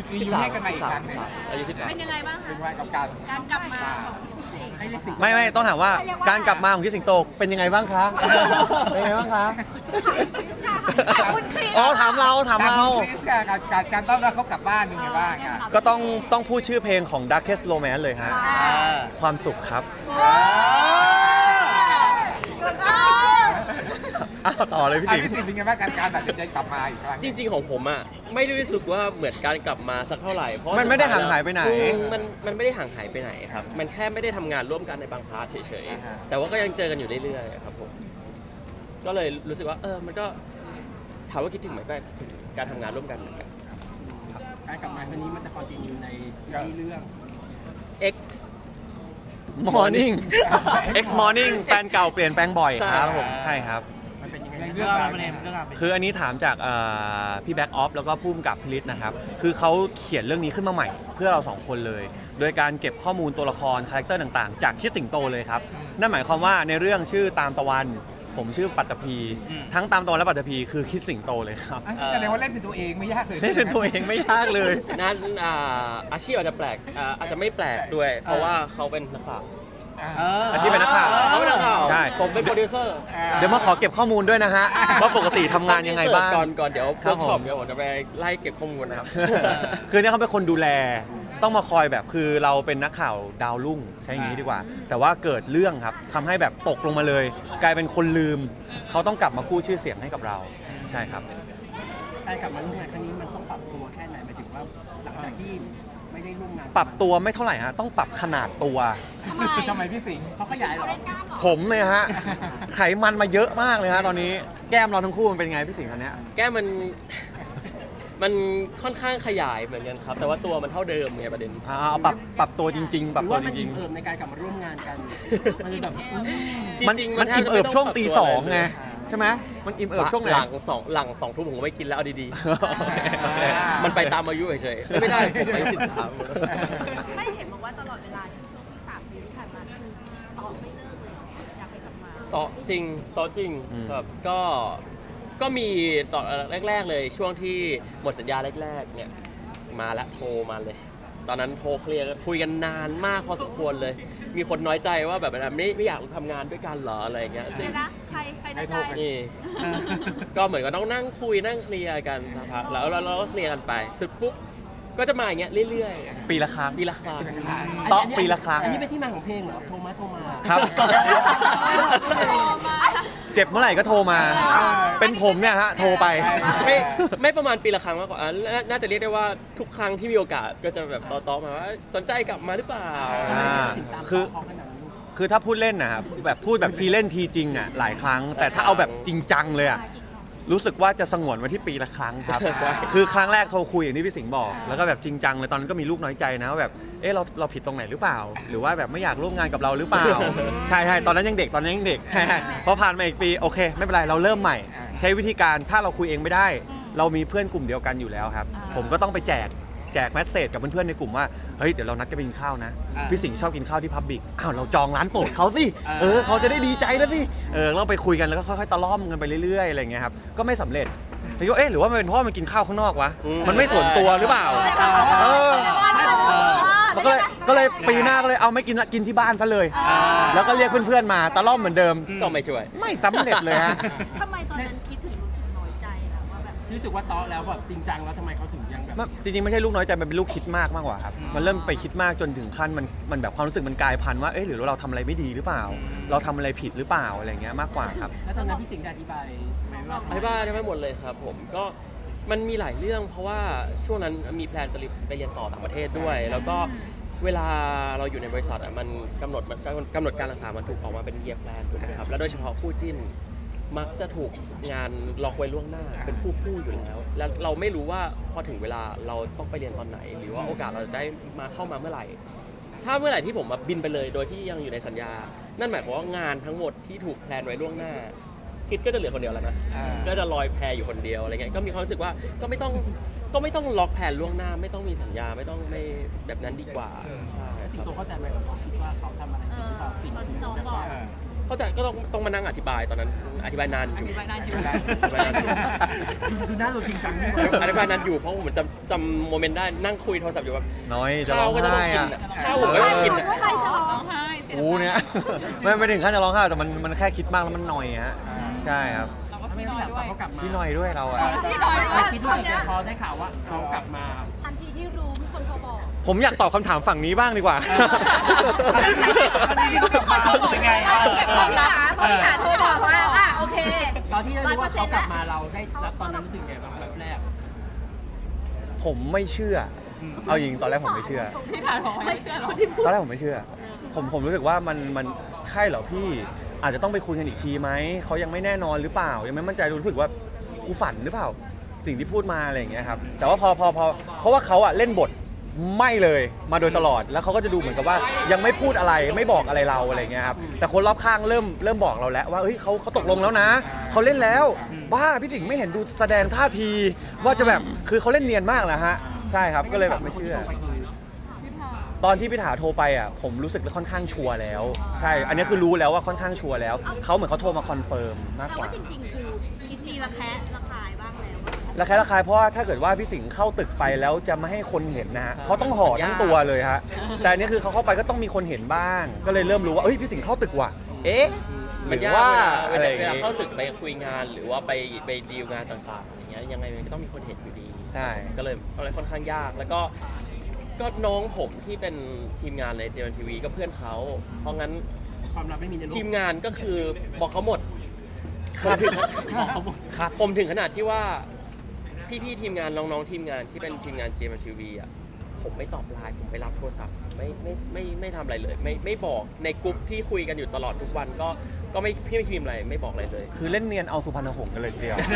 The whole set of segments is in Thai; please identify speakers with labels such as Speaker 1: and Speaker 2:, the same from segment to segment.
Speaker 1: รียกกันมาอีกครั้งหนึ่ง
Speaker 2: อายุ
Speaker 3: เป็นยังไงบ้าง
Speaker 1: เป็น
Speaker 3: คะ
Speaker 1: ไงกับการ
Speaker 3: การกลับมาของพี่สิงห์
Speaker 1: ให้เรียกสิ่ง
Speaker 4: ไม่ต้องถามว่าการกลับมาของพี่สิงโตเป็นยังไงบ้างคะเป็นยังไงบ้างคะอ๋อถามเรา
Speaker 1: คริสกับการต้อนรับเขากลับบ้านเป็นไงบ้างอ่ะ
Speaker 4: ก็ต้องพูดชื่อเพลงของ Darkest Romance เลยฮะความสุขครับอ้าวต่อเลยพี่สิงห์
Speaker 1: เป็นไงบ้างการตัดสินใจกลับมาอีกครั้ง
Speaker 2: จริงๆของผมอ่ะไม่ได้รู้สึกว่าเหมือนการกลับมาสักเท่าไหร่เพราะ
Speaker 4: มันไม่ได้ห่างหายไปไหน
Speaker 2: มันไม่ได้ห่างหายไปไหนครับมันแค่ไม่ได้ทำงานร่วมกันในบางพาร์ทเฉยๆแต่ว่าก็ยังเจอกันอยู่เรื่อยๆครับผมก็เลยรู้สึกว่ามันก็ถามว่าคิดถึงไหมก็ถึงการทำงานร่วมกันเหมือนกัน
Speaker 5: การกลับมาครั้งนี้มันจะคอนติเนียในที่เรื่อง
Speaker 2: X
Speaker 4: Morning X Morning แฟนเก่าเปลี่ยนแปลงบ่อยครับผมใช่ครับ
Speaker 5: มันเป็นยังไง
Speaker 1: เรื่องราวเป็น
Speaker 4: คืออันนี้ถามจากพี่แบ็กออฟแล้วก็พุ่มกับพิริศนะครับคือเขาเขียนเรื่องนี้ขึ้นมาใหม่เพื่อเราสองคนเลย โดยการเก็บข้อมูลตัวละครคาแรคเตอร์ต่างๆ จากคิดสิงโตเลยครับนั่นหมายความว่าในเรื่องชื่อตามตะวันผมชื่อปัตตภีทั้งตามตะวันและปัตตภีคือคิดสิงโตเลยครับ
Speaker 1: แสดงว่าเล่นเป็นตัวเองไม่ยากเลย
Speaker 4: นี่เป็นตัวเองไม่ยากเลย
Speaker 2: นั้นอาชีพอาจจะแปลกอาจจะไม่แปลกด้วย เพราะว่าเขาเป็นนักข่าว
Speaker 4: อาชีพเป็นนักข่าว
Speaker 2: เขาเป็นนักข่าว
Speaker 4: ใช่
Speaker 2: ผมเป็นโปรดิวเซอร์
Speaker 4: เดี๋ยวมาขอเก็บข้อมูลด้วยนะฮะว่าปกติทำงานยังไงบ้าง
Speaker 2: ก่อนเดี๋ยว
Speaker 4: ครั
Speaker 2: เวิ
Speaker 4: บ
Speaker 2: ร์กช็อป
Speaker 4: ผม
Speaker 2: เดี๋ยวผมจะไปไล่เก็บข้อมูลนะครับ
Speaker 4: คือเนี่ยเขาเป็นคนดูแลต้องมาคอยแบบคือเราเป็นนักข่าวดาวรุ่งใช้อย่างนี้ดีกว่า แต่ว่าเกิดเรื่องครับทำให้แบบตกลงมาเลย กลายเป็นคนลืมเขาต้องกลับมากู้ชื่อเสียงให้กับเราใช่ครับ
Speaker 5: การกลับมาร่วมงานครั้งนี้มันต้องปรับตัวแค่ไหนหมายถึงว่าหลังจากที่ไม่ได้ร่วมงาน
Speaker 4: ปรับตัวไม่เท่าไหร่ฮะต้องปรับขนาดตัว
Speaker 1: ทำไมพี่สิงห์
Speaker 5: เขาขยายเหรอ
Speaker 4: ผมเลยฮะไขมันมาเยอะมากเลยฮะตอนนี้แก้มเราทั้งคู่มันเป็นไงพี่สิงห์ตอนเนี้ย
Speaker 2: แก้มันค่อนข้างขยายเหมือนกันครับ แต่ว่าตัวมันเท่าเดิมไงประเด็น
Speaker 4: เอาปรับตัวจริงๆ ปรับตัวจริง
Speaker 5: เพิ่มในการกลับมาร่วมงานกันมันเลยแบบ
Speaker 4: ๆมันอิ่มเอิบช่วงตีสองไงใช่ไหมมันอิ่มเอิบช่วงไหน
Speaker 2: หลังสองทุ่มผมก็ไม่กินแล้วเอาดีๆ มันไปตามอายุเฉยๆไม่ได้ผมอายุ13
Speaker 3: ไม่เห็นบอกว่าตลอดเวลาที่ช่วงที่3 ปีที่ผ่านมาคือต่อไม่เลิกเลยอยากไปกลับมา
Speaker 2: ต่อจริงครับก็มีต่อแรกๆเลยช่วงที่หมดสัญญาแรกๆเนี่ยมาแล้วโทรมาเลย ตอนนั้นโทรเคลียร์คุยกันนานมากพอสมควรเลย มีคนน้อยใจว่าแบบไม่อยากทำงานด้วยกันเหรออะไรอย่างเงี้ยซึ่ง
Speaker 3: นะใครนะใจ
Speaker 2: นี่ก็เหมือนกับต้องนั่งคุยนั่งเคลียร์กันสักพักแล้วเราก็เคลียร์กันไปสุดปุ๊บก็จะมาอย่างเงี้ยเรื่อยๆ
Speaker 4: ปีละครั้ง
Speaker 2: ปีละครั้ง
Speaker 4: ต่อปีละครั้ง
Speaker 5: อันนี้เป็นที่มาของเพลงเหรอโทรมา
Speaker 4: ครับ เจ็บเมื่อไหร่ก็โทรมา เป็นผมเนี่ยฮะโทรไป
Speaker 2: ไม่ประมาณปีละครั้งมากกว่าน่าจะเรียกได้ว่าทุกครั้งที่มีโอกาสก็จะแบบต่อมาว่าสนใจกลับมาหรือเปล่า
Speaker 4: คือถ้าพูดเล่นนะครับแบบพูดแบบทีเล่นทีจริงอ่ะหลายครั้ง แต่ถ้าเอาแบบจริงจังเลยอ่ะรู้สึกว่าจะสงวนไว้ที่ปีละครั้งครับ คือครั้งแรกโทรคุยอย่างที่พี่สิงห์บอก แล้วก็แบบจริงจังเลยตอนนั้นก็มีลูกน้อยใจนะว่าแบบเราผิดตรงไหนหรือเปล่า หรือว่าแบบไม่อยากร่วมงานกับเราหรือเปล่า ใช่ตอนนั้นยังเด็กพอผ่านมาอีกปีโอเค ไม่เป็นไรเราเริ่มใหม่ ใช้วิธีการถ้าเราคุยเองไม่ได้ เรามีเพื่อนกลุ่มเดียวกันอยู่แล้วครับผมก็ต้องไปแจกแมสเซจกับเพื่อนๆในกลุ่มว่าเฮ้ยเดี๋ยวเรานัดกันไปกินข้าวนะพี่สิงห์ชอบกินข้าวที่พับบิกอ้าวเราจองร้านโปรดเขาสิเขาจะได้ดีใจนะสิเราไปคุยกันแล้วก็ค่อยๆตะล่อมกันไปเรื่อยๆอะไรอย่างเงี้ยครับก็ไม่สำเร็จแต่ก็หรือว่ามันเป็นเพราะมันกินข้าวข้างนอกวะมันไม่ส่วนตัวหรือเปล่าก็เลยปีหน้าก็เลยเอาไม่กินละกินที่บ้านซะเลยแล้วก็เรียกเพื่อนๆมาตะล่อมเหมือนเดิม
Speaker 2: ก็ไม่ช่วย
Speaker 4: ไม่สำเร็จเลยฮะ
Speaker 3: ทำไมตอนนั้นคิดถึงรู้สึกน้อยใจล่ะว่าแบบ
Speaker 5: รู้สึกว่าต๊อแล้วแบบจริงจังแล้วทำไมเขาถึงยังแบบ
Speaker 4: จริงๆไม่ใช่ลูกน้อยใจมันเป็นลูกคิดมากกว่าครับมันเริ่มไปคิดมากจนถึงขั้นมันแบบความรู้สึกมันกลายพันธุ์ว่าหรือเราทำอะไรไม่ดีหรือเปล่า เราทำอะไรผิดหรือเปล่าอะไรเงี้ยมากกว่าครับ
Speaker 5: แล้วตอนนั้นพี่สิงห์ได้อธิบายไหมว่าทำไม
Speaker 2: อธิบายได้ไม่หมดเลยครับผมก็มันมีหลายเรื่องเพราะว่าช่วงนั้นมีแพลนจะไปเรียนต่อต่างประเทศด้วย แล้วก็เวลาเราอยู่ในบริษัทมันกำหนดการต่างๆมันถูกออกมาเป็นเยียร์แพลนถูกไหมครับแล้วโดยเฉพาะคู่จิ้นมักจะถูกงานล็อกไว้ล่วงหน้าเป็นคู่อยู่แล้วแล้วเราไม่รู้ว่าพอถึงเวลาเราต้องไปเรียนตอนไหน หรือว่าโอกาสเราจะได้มาเข้ามาเมื่อไหร่ถ้าเมื่อไหร่ที่ผมมาบินไปเลยโดยที่ยังอยู่ในสัญญานั่นหมายความว่างานทั้งหมดที่ถูกแพลนไว้ล่วงหน้าคิดก็จะเหลือคนเดียวแล้วนะก็จะลอยแพอยู่คนเดียวอะไรเงี้ยก็มีความรู้สึกว่าก็ไม่ต้องล็อกแผนล่วงหน้าไม่ต้องมีสัญญาไม่ต้องไม่แบบนั้นดีกว่าใช่
Speaker 5: สิงโตเข้าใจไหมเขาคิดว่าเขาทำอะไรผิดหรือเปล่าสิ่งที่น้องบอก
Speaker 2: เข้าใจก็ต้องมานั่งอธิบายตอนนั้นอธิบายนานอยู่
Speaker 6: อธิบายนานอยู่
Speaker 2: อธิบายนานอยู่
Speaker 5: ดูหน้าเราจริงจังนี่หว่า
Speaker 2: อธิบายนานอยู่เพราะผมจำโมเมนต์ได้นั่งคุยโทรศัพท์อยู่แบบ
Speaker 4: น้อยจะร้
Speaker 2: ข้า
Speaker 4: อ
Speaker 2: ว
Speaker 4: ง
Speaker 2: ก็จะต้อ
Speaker 4: ไห้
Speaker 2: งกิน
Speaker 4: อะ
Speaker 2: ข้าวผมก็ต้องกิน
Speaker 3: ไม่ใครจะร้อง
Speaker 6: ร้องไห้เสีย
Speaker 4: กูเนี่ย ไม่ถึงขั้นจะร้องไห้แต่มันแค่คิดมากแล้วมันหน่อยฮะใช่ครับ
Speaker 6: เราก็
Speaker 5: ทำไม
Speaker 6: พี่
Speaker 5: ไม่
Speaker 6: น้อย
Speaker 5: อยาก
Speaker 6: ด้วย
Speaker 5: เขากลับมา
Speaker 4: พี่หน่อยด้วยเราอะ
Speaker 6: พี่น้อย
Speaker 5: ไม่คิดว่าแต่พอได้ข่าวว่าเขากลับมา
Speaker 3: ทันทีที่รู้มีคนโทรบอก
Speaker 4: ผมอยากตอบคำถามฝั่งนี้บ้างดีกว่า
Speaker 1: อันนี้ที่เขากลับมาเขารู้สึกยังไง
Speaker 6: เก็บความลับ
Speaker 3: บริหารโทรบอกว่าโอเค
Speaker 5: ตอนที่ได้รู้ว่าเขากลับมาเราได้รับตอนนั้นรู้สึกไงบ้างแบบแรก
Speaker 4: ผมไม่เชื่อ เอาจริงตอนแรกผมไม่เชื่อ
Speaker 6: พี่ถามบอกว่าไม่เชื่อหรอ
Speaker 4: ตอนแรกผมไม่เชื่อ ผมรู้สึกว่ามันใช่เหรอพี่อาจจะต้องไปคุยกันอีกทีไหมเขายังไม่แน่นอนหรือเปล่ายังไม่มั่นใจรู้สึกว่ากูฝันหรือเปล่าสิ่งที่พูดมาอะไรอย่างเงี้ยครับแต่ว่าพอเพราะว่าเขาอะเล่นบทไม่เลยมาโดยตลอดแล้วเขาก็จะดูเหมือนกับว่ายังไม่พูดอะไรไม่บอกอะไรเราอะไรอย่างเงี้ยครับแต่คนรอบข้างเริ่มบอกเราแล้วว่าเฮ้ยเขาตกลงแล้วนะเขาเล่นแล้วบ้าพี่สิงห์ไม่เห็นดูแสดงท่าที ว่าจะแบบคือเขาเล่นเนียนมากนะฮะใช่ครับก็เลยแบบไม่เชื่อ ตอนที่พี่ถาโทรไปอ่ะผมรู้สึกค่อนข้างชัวร์แล้วใช่อันนี้คือรู้แล้วว่าค่อนข้างชัวร์แล้วเขาเหมือนเขาโทรมาคอนเฟิร์มมาก
Speaker 3: แต่
Speaker 4: กว่า
Speaker 3: ว่าจริงๆ คือคิดดีระแคะระคายบ้างแล้ว
Speaker 4: ระคายเพราะว่าถ้าเกิดว่าพี่สิงห์เข้าตึกไปแล้วจะไม่ให้คนเห็นนะฮะเขาต้องห่อทั้งตัวเลยฮะแต่อันนี้คือเขาเข้าไปก็ต้องมีคนเห็นบ้าง ก็เลยเริ่มรู้ว่าเอ้ยพี่สิงห์เข้าตึกว่ะเอ๊ะห
Speaker 2: มัน
Speaker 4: รือย
Speaker 2: าก
Speaker 4: ว่า
Speaker 2: เว
Speaker 4: อะไร
Speaker 2: ลา
Speaker 4: อย่าง
Speaker 2: เวลา
Speaker 4: งี้
Speaker 2: เข้าตึกไปคุยงานหรือว่าไปดีลงานต่างๆอย่างเงี้ยยังไงมันก็ต้องมีคนเห็นอยู่ดี
Speaker 4: ใช่
Speaker 2: ก็เลยค่อนข้างยากแล้วก็น้องผมที่เป็นทีมงานใน JMTV ก็เพื่อนเขาเพราะงั้น
Speaker 5: ความลับไม่มีในโลก
Speaker 2: ทีมงานก็คือบอกเขาหมด
Speaker 4: ครับ
Speaker 5: บอกเขาหมด
Speaker 2: ผมถึงขนาดที่ว่าพี่ๆทีมงานน้องๆทีมงานที่เป็นทีมงาน JMTV อ่ะผมไม่ตอบไลน์ผมไปรับโทรศัพท์ไม่ทำอะไรเลยไม่บอกในกลุ่มที่คุยกันอยู่ตลอดทุกวันก็ไม่พี่ไม่พิมพ์อะไรไม่บอกอะไรเลย
Speaker 4: คือเล่นเนียนเอาสุพรรณหงส์กันเลยทีเดียว
Speaker 5: อ่ะ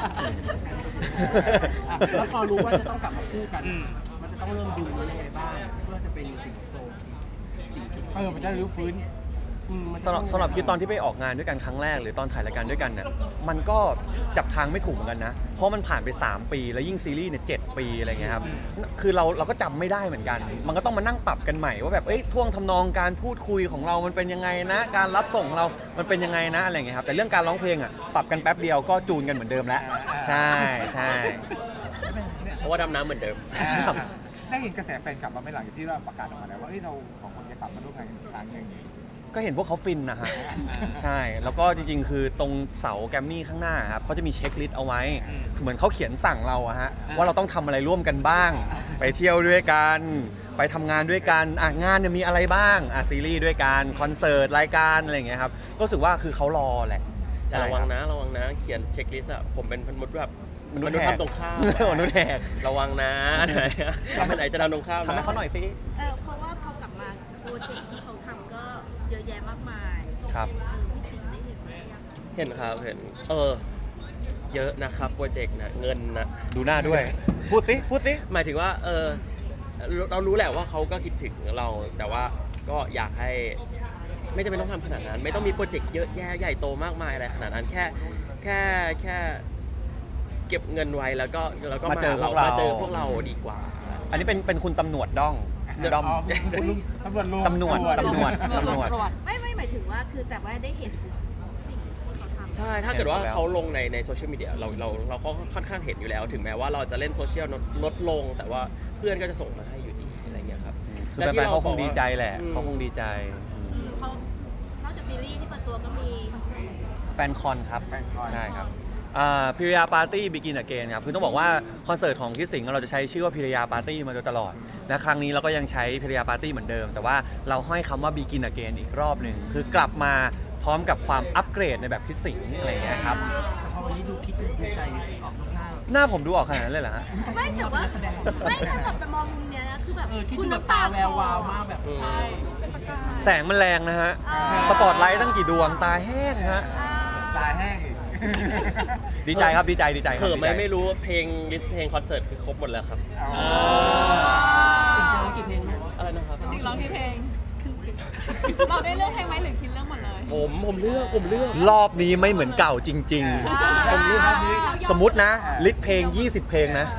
Speaker 5: แล้วพอรู้ว่าจะต้องกลับมาคู่กัน มันจะต้องเริ่มดูยังไงบ้างเพื่อจะเป็นสิ่งโตสิ่งที่
Speaker 1: มันจะรื้อฟื้น
Speaker 5: มัน
Speaker 4: สำหรับคิดตอนที่ไปออกงานด้วยกันครั้งแรกหรือตอนถ่ายรายการด้วยกันเนี่ยมันก็จับทางไม่ถูกเหมือนกันนะเพราะมันผ่านไป3ปีแล้วยิ่งซีรีส์เนี่ย7ปีอะไรเงี้ยครับคือเราก็จำไม่ได้เหมือนกัน มันก็ต้องมานั่งปรับกันใหม่ว่าแบบเอ้ยท่วงทำนองการพูดคุยของเรามันเป็นยังไงนะการรับส่งเรามันเป็นยังไงนะอะไรเงี้ยครับแต่เรื่องการร้องเพลงอ่ะปรับกันแป๊บเดียวก็จูนกันเหมือนเดิมแล้วใช่ใช่
Speaker 2: เพราะว่าดำน้ำเหมือนเดิม
Speaker 1: ได้เห็นกระแสแฟนกลับมาไม่หลังจากที่เราประกาศออกมาแล้วว่าเราสองคนจะกลับมาร่วมงานกันอีกครั้งหนึ่ง
Speaker 4: ก็เห็นพวกเขาฟินนะฮะใช่แล้วก็จริงๆ คือตรงเสาแกรมมี่ข้างหน้าครับเขาจะมีเช็คลิสต์เอาไว้เหมือนเขาเขียนสั่งเราอะฮะว่าเราต้องทำอะไรร่วมกันบ้าง ไปเที่ยวด้วยกันไปทำงานด้วยกันงานเนี่ยมีอะไรบ้างซีรีส์ด้วยกันคอนเสิร์ตรายการอะไรอย่างเงี้ยครับก็รู้สึกว่าคือเขารอแหละ
Speaker 2: แต่ระวังนะเขียนเช็คลิสต์อะผมเป็นมนุษย์แบบมนุษย์ทำตรงข้าม
Speaker 4: มนุษย์แหก
Speaker 2: ระวังนะอันไหนจะทำตรงข้าม
Speaker 4: ทำให้เขาหน่อยสิ
Speaker 3: เพราะว่าพอกลับมาโปรเจกต์ที่เขาทำก็เยอะแยะมากมาย
Speaker 4: ครับ
Speaker 3: พี่สิงห์ได้เห็นไหมยัง
Speaker 2: เห็นครับเห็นเยอะนะครับโปรเจกต์นะเงินนะ
Speaker 4: ดูหน้าด้วย พูดสิ
Speaker 2: หมายถึงว่าเรารู้แหละว่าเขาก็คิดถึงเราแต่ว่าก็อยากให้ไม่จำเป็นต้องทำขนาดนั้น ไม่ต้องมีโปรเจกต์เยอะแยะใหญ่โตมากมายอะไรขนาดนั้นแค่เก็บเงินไว้แล้วก็
Speaker 4: มาเจอพวกเรา
Speaker 2: มาเจอพวกเราดีกว่า
Speaker 4: อันนี้เป็นคุณตำรวจด้องดอม
Speaker 1: ตำรวจลุง
Speaker 4: ตำรวจ
Speaker 3: ไม่หมายถึงว่าคือแต่ว่าได้เห็นสิ่งที่เขาทำ
Speaker 2: ใช่ถ้าเกิดว่าเขาลงในโซเชียลมีเดียเราค่อนข้างเห็นอยู่แล้ว ถึงแม้ว่าเราจะเล่นโซเชียลลดลง แต่ว่าเพื่อนก็จะส่งมาให้อยู่ดีอะไรเงี้ยครับ
Speaker 4: คือแฟนๆเขาคงดีใจแหละเขาคงดีใจ
Speaker 3: เขานอกจากซีรีส์ที่เปิดตัวก็มี
Speaker 4: แฟนคอนครับ
Speaker 1: แฟนคอน
Speaker 4: ใช่ครับพิริยาปาร์ตี้บิกินอเกนครับคือต้องบอกว่าคอนเสิร์ตของคิดสิงห์เราจะใช้ชื่อว่าพิริยาปาร์ตี้มาโดยตลอดและครั้งนี้เราก็ยังใช้พิริยาปาร์ตี้เหมือนเดิม แต่ว่าเราห้อยคำว่าบิกินอเกนอีกรอบหนึ่งคือกลับมาพร้อมกับความอัปเกรดในแบบคิดสิงห์อะไรอย่างเงี้ยครับ
Speaker 5: พอวันนี้ดูคิดดูใจออกนอกหน้า
Speaker 4: หน้าผมดูออกขนาดนั้นเลยเหรอฮะ
Speaker 3: ไม่แต่ว่าไม่ถ้าแบบแต่มองมุมเนี้ยนะคือแบบ
Speaker 5: คิดดูแบบตาแวววาวมากแบบ
Speaker 4: แสงมันแรงนะฮะสปอตไลท์ตั้งกี่ดวงตาแห้งฮะ
Speaker 1: ตาแห้งอีก
Speaker 4: ดีใจครับดีใจครับ
Speaker 2: เขิมไหม
Speaker 4: ดีใจ
Speaker 2: ไม่รู้เพลงลิสต์เพลงคอนเสิร์ตคือครบหมดแล้วครับ
Speaker 5: สิ่งเจอกี่เพลงเนี่ย
Speaker 2: อะไรนะครับ
Speaker 6: จริงร้องที่เพลงเราได้เลือกเพลงไหมหรือคิดเรื่องหมดเลย
Speaker 2: ผมเลือก
Speaker 4: รอบนี้ไม่เหมือนเก่าจริง
Speaker 1: ผมรู้ครับนี้
Speaker 4: ๆ สมมตินะลิสต์เพลง 20 เพลงนะ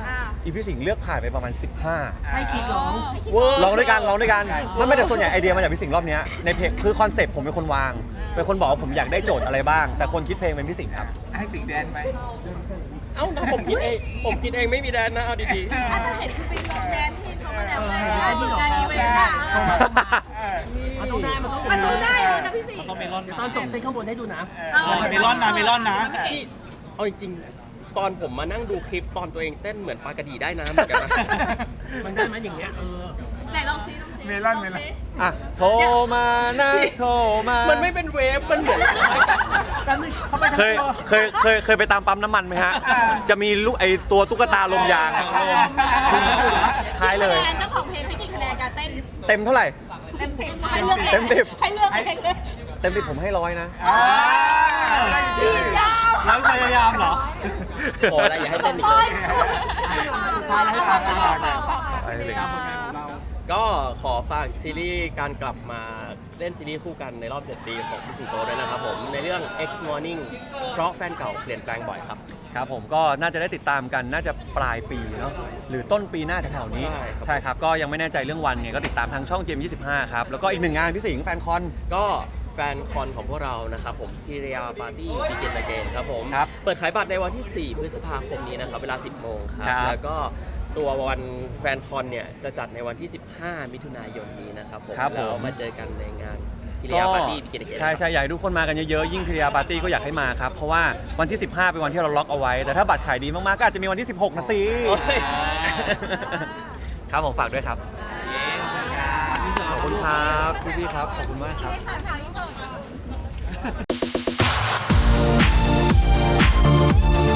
Speaker 4: อีพี่สิงห์เลือกผ่านไปประมาณ 15
Speaker 5: ให้คิดร้อง
Speaker 2: เวอร์
Speaker 4: ร้องด้วยกันมันไม่แต่ส่วนใหญ่ไอเดียมาจากพี่สิงห์รอบเนี้ยในเพลงคือคอนเซปต์ผมเป็นคนวางเป็นคนบอกว่าผมอยากได้โจทย์อะไรบ้าง แต่คนคิดเพลงเป็นพี่สิงห์ครับ
Speaker 1: ให้สิงแดนไหม
Speaker 2: เอ้านะผมคิดเองไม่มีแดนนะเอาดี
Speaker 3: อาจจะเห็นคือเป็นแดนที่เขามาแล้วไง
Speaker 5: ได้ที่หลอก
Speaker 3: การ
Speaker 5: เขา
Speaker 3: อีเว
Speaker 5: แก
Speaker 3: นต์อะ
Speaker 5: มันต้องได้มันต้อง
Speaker 3: มันต้องได้เลยนะพี่สิงห์
Speaker 7: ต้องเมลอน
Speaker 5: เดี๋ยวตอนจบเต้นข้างบนให้ดูนะ
Speaker 7: เมลอนนะเมลอนนะ
Speaker 2: ๆที่เอาจริงๆตอนผมมานั่งดูคลิปตอนตัวเองเต้นเหมือนปลากระดีได้น้ำเหมือนกันนะ
Speaker 5: มันได้ไหมอย่างเงี้ย
Speaker 3: ไหนลองซิ
Speaker 1: เมลอน
Speaker 4: อ่ะโทรมานะโทรมา
Speaker 2: มันไม่เป็นเวฟมันเหมือน
Speaker 5: แป๊บนึงเขาไปทั้ง
Speaker 4: เคย
Speaker 5: ตัว
Speaker 4: เคยไปตามปั๊มน้ำมันไหมฮะ จะมีลูกไอตัวตุ๊กตาลมยางคล้ายเลย
Speaker 3: คะแนนเจ้าของเพลงให้กี่คะแนนการเต้น
Speaker 4: เต็มเท่าไหร่
Speaker 3: เต็ม10ให้เลือกเอง
Speaker 4: เต็ม10
Speaker 3: ให้เลือกเองเลย
Speaker 4: เต็มที่ผมให้100นะ
Speaker 3: ยาว
Speaker 7: แล้วพยายามเหรอ
Speaker 2: ขออะไรอย่าให้เต้นอีกเลย
Speaker 5: สุดท้ายแล้วให้ฟังกัน
Speaker 4: ไปเลย
Speaker 5: ตามผลงานของเรา
Speaker 2: ก็ขอฝากซีรีส์การกลับมาเล่นซีรีส์คู่กันในรอบ 7 ปีของพี่สิงโตด้วยนะครับผมในเรื่อง X Morning เพราะแฟนเก่าเปลี่ยนแปลงบ่อยครับ
Speaker 4: ครับผมก็น่าจะได้ติดตามกันน่าจะปลายปีเนาะหรือต้นปีหน้าแถวๆนี้
Speaker 2: ใช่ครับ
Speaker 4: ใช่ครับ ก็ยังไม่แน่ใจเรื่องวันเนี่ยก็ติดตามทางช่อง GM25 ครับ แล้วก็อีกหนึ่งงานพี่สิงห์แฟนคอน
Speaker 2: ก็แฟนคอนของพวกเรานะครับผมพิริยาปาร์ตี้บิกินอเกนครับผม
Speaker 4: ครับ
Speaker 2: เปิดขายบัตรในวันที่ 4 พฤษภาคมนี้นะครับเวลา 10 โมงครับ
Speaker 4: ครับ
Speaker 2: แล้วก็ตัววันแฟนคอนเนี่ยจะจัดในวันที่ 15 มิถุนายนนี้นะครับผม
Speaker 4: ครับผม
Speaker 2: แล้วมาเจอกันในงานพิริยาปาร์ตี้บิกินอเกน
Speaker 4: ใช่ใช่อยากให้ทุกคนมากันเยอะๆยิ่งพิริยาปาร์ตี้ก็อยากให้มาครับเพราะว่าวันที่ 15 เป็นวันที่เราล็อกเอาไว้ แต่ถ้าบัตรขายดีมากๆก็อาจจะมีวันที่ 16 นะสิ
Speaker 2: โอ้ย
Speaker 4: ครับผมฝากด้วยครับขอบคุณครับพี่ๆครับขอบคุณมากครับ
Speaker 6: ถามถามอีกหน่อย